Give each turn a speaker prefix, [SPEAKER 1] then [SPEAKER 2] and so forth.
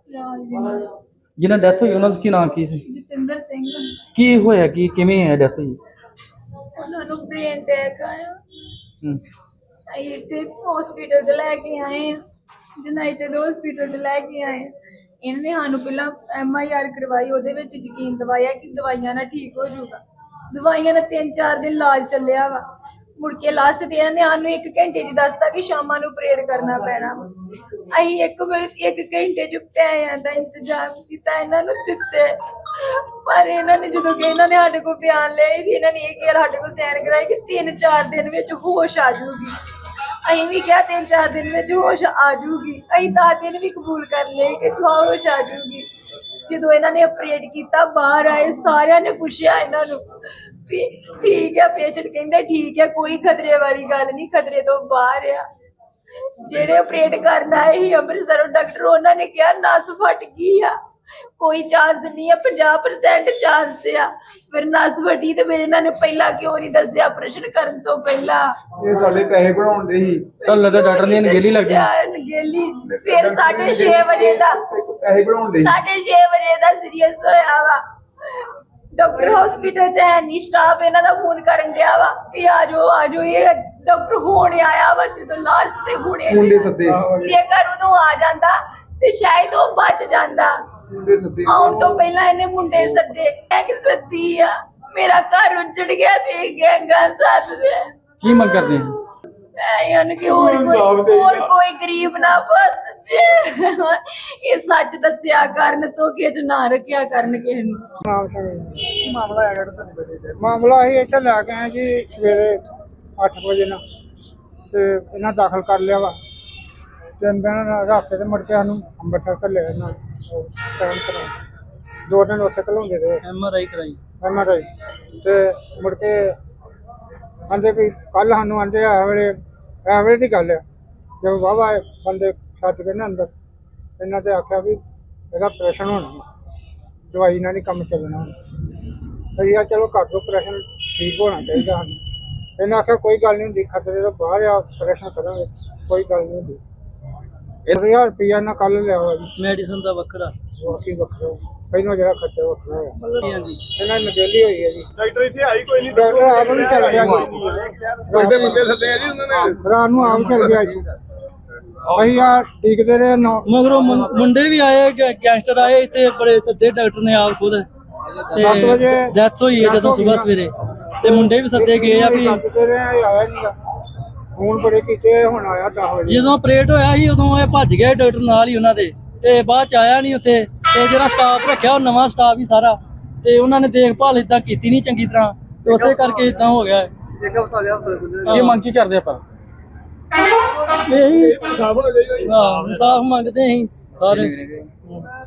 [SPEAKER 1] ਰਾਜਵਿੰਦਰ
[SPEAKER 2] ਜਿਨ੍ਹਾਂ ਡੈਥ ਹੋਈ ਉਹਨਾਂ ਦਾ ਕੀ ਨਾਂ ਕੀ ਸੀ?
[SPEAKER 1] ਜਤਿੰਦਰ ਸਿੰਘ।
[SPEAKER 2] ਕੀ ਹੋਇਆ ਕੀ ਕਿਵੇਂ ਹੈ ਡੈਥ ਹੋਈ?
[SPEAKER 1] ਉਹਨਾਂ ਨੂੰ ਬ੍ਰੇਨ ਅਟੈਕ ਆਇਆ।
[SPEAKER 2] ਹੂੰ।
[SPEAKER 1] ਅਸੀਂ ਇੱਥੇ ਹਸਪੀਟਲ 'ਚ ਲੈ ਕੇ ਆਏ ਹਾਂ, ਯੂਨਾਈਟਿਡ ਹਸਪੀਟਲ 'ਚ ਲੈ ਕੇ ਆਏ ਹਾਂ। ਇਹਨਾਂ ਨੇ ਸਾਨੂੰ ਪਹਿਲਾਂ MIR ਕਰਵਾਈ, ਉਹਦੇ ਵਿੱਚ ਯਕੀਨ ਦਿਵਾਇਆ ਕਿ ਦਵਾਈਆਂ ਨਾਲ ਠੀਕ ਹੋ ਜਾਊਗਾ। ਦਵਾਈਆਂ ਨਾਲ 3-4 ਦਿਨ ਇਲਾਜ ਚੱਲਿਆ ਵਾ। ਮੁੜ ਕੇ ਲਾਸਟ ਤੇ ਇਹਨਾਂ ਨੇ ਸਾਨੂੰ 1 ਘੰਟੇ 'ਚ ਦੱਸਤਾ ਕਿ ਸ਼ਾਮਾਂ ਨੂੰ ਪਰੇਡ ਕਰਨਾ ਪੈਣਾ ਵਾ। ਅਸੀਂ ਇੱਕ ਘੰਟੇ 'ਚ ਪੈਸਿਆਂ ਦਾ ਇੰਤਜ਼ਾਮ ਕੀਤਾ, ਇਹਨਾਂ ਨੂੰ ਦਿੱਤੇ। ਪਰ ਇਹਨਾਂ ਨੇ ਜਦੋਂ ਕਿ ਇਹਨਾਂ ਨੇ ਸਾਡੇ ਕੋਲ ਬਿਆਨ ਲਏ ਵੀ ਇਹਨਾਂ ਨੇ ਇਹ ਕਿਹਾ ਸਾਡੇ ਕੋਲ ਸਾਈਨ ਕਰਾਏ ਕਿ 3-4 ਦਿਨ ਵਿੱਚ ਹੋਸ਼ ਆ ਜਾਊਗੀ। ਅਸੀਂ ਵੀ ਕਿਹਾ 3-4 ਦਿਨ ਵਿੱਚ ਹੋਸ਼ ਆ ਜਾਊਗੀ। ਅਸੀਂ 10 ਦਿਨ ਵੀ ਕਬੂਲ ਕਰ ਲਏ ਕਿ ਹੋਸ਼ ਆ ਜਾਊਗੀ। ਜਦੋਂ ਇਹਨਾਂ ਨੇ ਆਪਰੇਟ ਕੀਤਾ, ਬਾਹਰ ਆਏ, ਸਾਰਿਆਂ ਨੇ ਪੁੱਛਿਆ ਇਹਨਾਂ ਨੂੰ ਵੀ ਠੀਕ ਹੈ, ਪੇਸ਼ੈਂਟ ਕਹਿੰਦੇ ਠੀਕ ਹੈ, ਕੋਈ ਖਤਰੇ ਵਾਲੀ ਗੱਲ ਨਹੀਂ, ਖਤਰੇ ਤੋਂ ਬਾਹਰ ਆ। ਜਿਹੜੇ ਆਪਰੇਟ ਕਰਨ ਆਏ ਸੀ ਅੰਮ੍ਰਿਤਸਰੋਂ ਡਾਕਟਰ, ਉਹਨਾਂ ਨੇ ਕਿਹਾ ਨਸ ਫਟ ਗਈ ਆ, ਕੋਈ ਚਾਂਸ ਨਹੀਂ ਆ, 50% ਚਾਂਸ ਆ। ਫਿਰ ਨਸ ਫਟੀ ਤੇ ਫਿਰ ਇਹਨਾਂ ਨੇ ਪਹਿਲਾਂ ਕਿਉਂ ਨਹੀਂ ਦੱਸਿਆ ਆਪਰੇਸ਼ਨ ਕਰਨ ਤੋਂ ਪਹਿਲਾਂ?
[SPEAKER 3] ਇਹ ਸਾਡੇ ਪੈਸੇ ਬਣਾਉਂਦੇ ਸੀ।
[SPEAKER 2] ਤੁਹਾਨੂੰ ਲੱਗਾ ਡਾਕਟਰ ਦੀ ਅਣਗਹਿਲੀ ਲੱਗ ਗਈ?
[SPEAKER 1] ਅਣਗਹਿਲੀ। ਫਿਰ 6:30 ਵਜੇ ਦਾ
[SPEAKER 3] ਪੈਸੇ ਬਣਾਉਂਦੇ
[SPEAKER 1] 6:30 ਵਜੇ ਦਾ ਸੀਰੀਅਸ ਹੋਇਆ ਵਾ। ਡਾਕਟਰ ਹਸਪੀਟਲ 'ਚ ਹੈ ਨਹੀਂ, ਸਟਾਫ ਇਹਨਾਂ ਦਾ ਫੋਨ ਕਰਨ ਡਿਆ ਵਾ ਵੀ ਆ ਜਾਓ। ਇਹ ਡਾਕਟਰ ਹੁਣ ਆਇਆ ਵਾ, ਜਦੋਂ ਲਾਸਟ ਤੇ ਹੁਣੇ
[SPEAKER 3] ਮੁੰਡੇ ਸੱਦੇ
[SPEAKER 1] ਜੇਕਰ ਉਦੋਂ ਆ ਜਾਂਦਾ ਤੇ ਸ਼ਾਇਦ ਉਹ ਬਚ ਜਾਂਦਾ।
[SPEAKER 3] ਮੁੰਡੇ ਸੱਦੇ
[SPEAKER 1] ਆਉਣ ਤੋਂ ਪਹਿਲਾਂ ਇਹਨੇ ਮੁੰਡੇ ਸੱਦੇ। ਕਿ ਸੱਦੀ ਆ, ਮੇਰਾ ਘਰ ਉੱਜੜ ਗਿਆ ਤੇ ਗੈਂਗਾਂ ਸੱਦਦੇ।
[SPEAKER 2] ਕੀ ਮੰਗ ਕਰਦੇ ਹੋ?
[SPEAKER 1] ਕਿ ਹੋਰ ਕੋਈ ਗਰੀਬ ਨਾ ਬਸ ਇਹ ਸੱਚ ਦੱਸਿਆ ਕਰਨ, ਧੋਖੇ 'ਚ ਨਾ ਰੱਖਿਆ ਕਰਨ ਕਿਸੇ ਨੂੰ।
[SPEAKER 4] ਮਾਮਲਾ ਅਸੀਂ ਇੱਥੇ ਲੈ ਕੇ ਆਏ ਜੀ ਸਵੇਰੇ 8 ਵਜੇ ਨਾਲ, ਤੇ ਇਹਨਾਂ ਦਾਖਲ ਕਰ ਲਿਆ ਵਾ। 3 ਦਿਨ ਰੱਖ ਕੇ ਤੇ ਮੁੜ ਕੇ ਸਾਨੂੰ ਅੰਮ੍ਰਿਤਸਰ ਘੱਲਿਆ ਇਹਨਾਂ ਟਾਈਮ ਕਰਾਉਣ। 2 ਦਿਨ ਉੱਥੇ ਘਲਾਉਂਦੇ ਰਹੇ,
[SPEAKER 2] MRI ਕਰਾਈ।
[SPEAKER 4] MRI ਤੇ ਮੁੜ ਕੇ ਆਂਦੇ ਵੀ ਕੱਲ ਸਾਨੂੰ ਆਂਦੇ ਆ ਵੇਲੇ ਦੀ ਗੱਲ ਆ, ਜਦੋਂ ਵਾਹਵਾ ਬੰਦੇ ਛੱਡ ਕੇ ਨਾ ਅੰਦਰ, ਇਹਨਾਂ ਤੇ ਆਖਿਆ ਵੀ ਇਹਦਾ ਆਪਰੇਸ਼ਨ ਹੋਣਾ, ਦਵਾਈ ਨਾਲ ਨਹੀਂ ਕੰਮ ਚੱਲਣਾ। ਅਸੀਂ ਆ ਚਲੋ ਕਰ ਦਿਓ ਆਪਰੇਸ਼ਨ, ਠੀਕ ਹੋਣਾ ਚਾਹੀਦਾ ਸਾਨੂੰ। ਇਹਨਾਂ ਆਖਿਆ ਕੋਈ ਗੱਲ ਨਹੀਂ ਹੁੰਦੀ, ਖਤਰੇ ਤੋਂ ਬਾਹਰ ਆ, ਆਪਰੇਸ਼ਨ ਕਰਾਂਗੇ, ਕੋਈ ਗੱਲ ਨਹੀਂ ਹੁੰਦੀ। 1000 ਰੁਪਇਆ ਇਹਨਾਂ ਕੱਲ ਲਿਆ ਵਾ ਜੀ।
[SPEAKER 2] ਮੈਡੀਸਨ ਦਾ ਵੱਖਰਾ,
[SPEAKER 4] ਬਾਕੀ ਵੱਖਰਾ, ਪਹਿਲਾਂ ਜਿਹੜਾ ਖਰਚਾ ਵੱਖਰਾ ਹੋਇਆ।
[SPEAKER 2] ਹਾਂਜੀ।
[SPEAKER 4] ਇਹਨਾਂ ਨਗੇਲੀ ਹੋਈ ਹੈ ਜੀ।
[SPEAKER 3] ਡਾਕਟਰ ਇੱਥੇ ਆਈ ਕੋਈ ਨਹੀਂ,
[SPEAKER 4] ਡਾਕਟਰ ਆਪ ਨੂੰ ਚੱਲ ਗਿਆ,
[SPEAKER 3] ਵੱਡੇ ਮੁੰਡੇ ਸੱਦੇ ਆ ਜੀ ਉਹਨਾਂ ਨੇ।
[SPEAKER 4] ਰਾਤ ਨੂੰ ਆਪ ਚੱਲ ਗਿਆ ਜੀ। ਅਸੀਂ ਆ ਟੀਕਦੇ ਰਹੇ
[SPEAKER 2] ਮਗਰੋਂ ਮੁੰਡੇ ਵੀ ਆਏ, ਗੈਂਗਸਟਰ ਆਏ ਇੱਥੇ, ਬੜੇ ਸੱਦੇ ਡਾਕਟਰ ਨੇ ਆਪ ਖੁਦ।
[SPEAKER 4] 7 ਵਜੇ
[SPEAKER 2] ਡੈਥ ਹੋਈ ਹੈ ਜਦੋਂ ਸਵੇਰ ਸਵੇਰੇ, ਤੇ ਮੁੰਡੇ ਵੀ ਸੱਦੇ ਗਏ ਆ ਵੀ।
[SPEAKER 4] ਸੱਦਦੇ ਰਹੇ, ਆਇਆ ਨਹੀਂ। ਹੁਣ ਬੜੇ ਕੀਤੇ, ਹੁਣ ਆਇਆ 10 ਵਜੇ।
[SPEAKER 2] ਜਦੋਂ ਆਪਰੇਟ ਹੋਇਆ ਸੀ ਉਦੋਂ ਇਹ ਭੱਜ ਗਿਆ ਡਾਕਟਰ ਨਾਲ ਹੀ ਉਹਨਾਂ ਦੇ, ਤੇ ਬਾਅਦ ਚ ਆਇਆ ਨਹੀਂ ਉੱਥੇ। ਤੇ ਜਿਹੜਾ ਸਟਾਫ ਰੱਖਿਆ ਉਹ ਨਵਾਂ ਸਟਾਫ ਹੀ ਸਾਰਾ, ਤੇ ਉਹਨਾਂ ਨੇ ਦੇਖਭਾਲ ਇਦਾਂ ਕੀਤੀ ਨਹੀਂ ਚੰਗੀ ਤਰ੍ਹਾਂ, ਤੇ ਉਸੇ ਕਰਕੇ ਇਦਾਂ ਹੋ ਗਿਆ। ਇਹ ਮੰਗ ਕੀ ਕਰਦੇ ਆਪਾਂ? ਇਹੀ ਇਨਸਾਫ ਮੰਗਦੇ ਅਸੀਂ ਸਾਰੇ।